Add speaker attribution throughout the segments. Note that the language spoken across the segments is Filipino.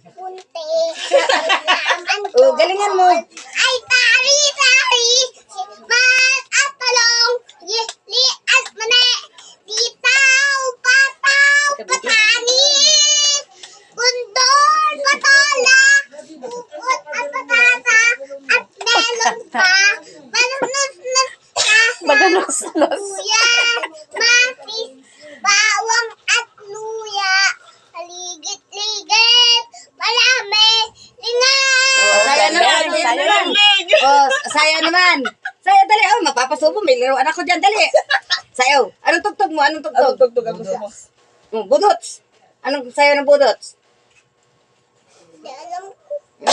Speaker 1: punti.
Speaker 2: Oh, galingan mo.
Speaker 1: Ay, tari. Mat at talong. Li at mane. Titaw, pataw, patani. Bundol, patola. Bukot at patata. At melon pa. Manunus ka.
Speaker 2: Maganos-nos.
Speaker 1: Luya, matis, bawang at luya. Haligit-ligit, marami, lingaw.
Speaker 2: Saya naman, saya naman. Oh, saya naman. Saya, dali. Oh, mapapasubo. May laruan ako dyan, dali. Sayo. Anong tugtog mo? Anong tugtog?
Speaker 3: Anong tugtog ang gusto mo?
Speaker 2: Budots. Anong sayo ng budots?
Speaker 1: Di alam ko.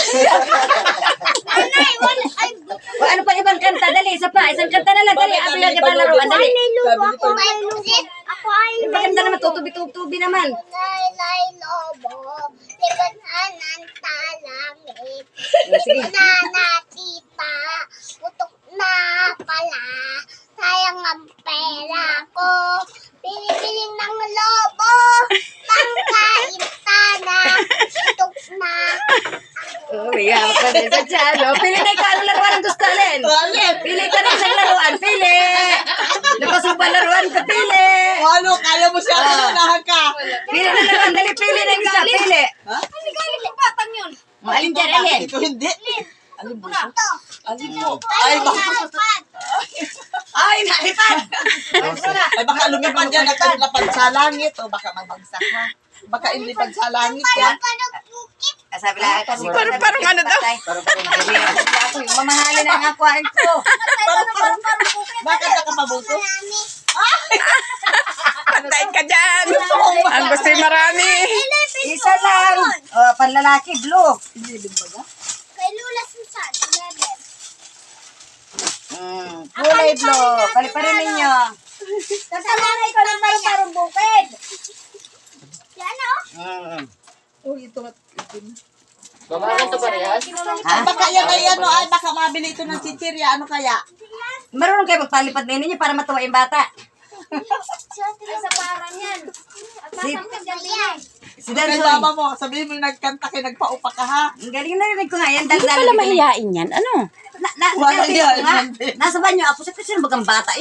Speaker 2: O ano pa ibang kanta? Dali, isa pa. Isang kanta na lang. Dali, ato yung ibang laruan. Dali.
Speaker 1: May lusit. Ako ay
Speaker 2: Maganda naman. Tutubi-tubi naman.
Speaker 1: Laylay lobo. Libanan ng talangit.
Speaker 2: Sige.
Speaker 1: Nanatita. Putok na pala. Sayang ang pera ko. Pinipiling ng lobo. Pangkain sana. Putok na.
Speaker 2: Oh, may hapa din sa tiyan. Oh, pili na ikaw. Anong laruan ang gusto alin? Pili ka na isang laruan. Pili. Napasuba laruan ka. Pili.
Speaker 3: O ano, kaya mo siya, unahan ka.
Speaker 2: Pili na laruan. Dali, pili na isa. Pili.
Speaker 3: Ha?
Speaker 1: Batang yun.
Speaker 2: O, alin dyan, alin?
Speaker 3: Ito hindi. Alin mo?
Speaker 1: Ito.
Speaker 3: Alin mo? Ay, baka,
Speaker 2: Ay, nalipad.
Speaker 3: ay, baka lumipad yan at lapad sa langit o baka mabagsak ha. Baka ilipad sa langit yan.
Speaker 1: Panagpukit.
Speaker 2: Sabi lang kasi
Speaker 4: Parang ano daw?
Speaker 2: Ako yung mamahalin ang aquarium ko.
Speaker 3: Bakit nakapabuto?
Speaker 1: Marami.
Speaker 4: Patay ka dyan. Ang gusto yung marami.
Speaker 2: Isa lang. Oh, panlalaki, blue.
Speaker 1: Kay Lula Susan. 11.
Speaker 2: Kulay blue. Paliparin ninyo.
Speaker 1: Kasalanay ko ng parang bukid. Yan o.
Speaker 3: Uy, ito.
Speaker 5: Babae to parehas?
Speaker 3: Ay, baka yan ay ano, ay baka mabili ito ng chichirya. Ano kaya?
Speaker 2: Marunong kayo magpalipad na ninyo para matuwa yung bata.
Speaker 1: Sa parang yan. At
Speaker 2: Si,
Speaker 1: masangkad yan yan.
Speaker 2: si
Speaker 3: Kay
Speaker 2: Dansoy.
Speaker 3: mama mo, sabihin mo nagkanta kayo, nagpaupa ka ha.
Speaker 2: Ang galing na rin ko nga yan.
Speaker 4: Hindi pala mahihain yan. Ano?
Speaker 2: Nasa
Speaker 3: Wala
Speaker 2: banyo
Speaker 3: yan.
Speaker 2: nga. Nasa banyo ako. Sa kasi bagang bata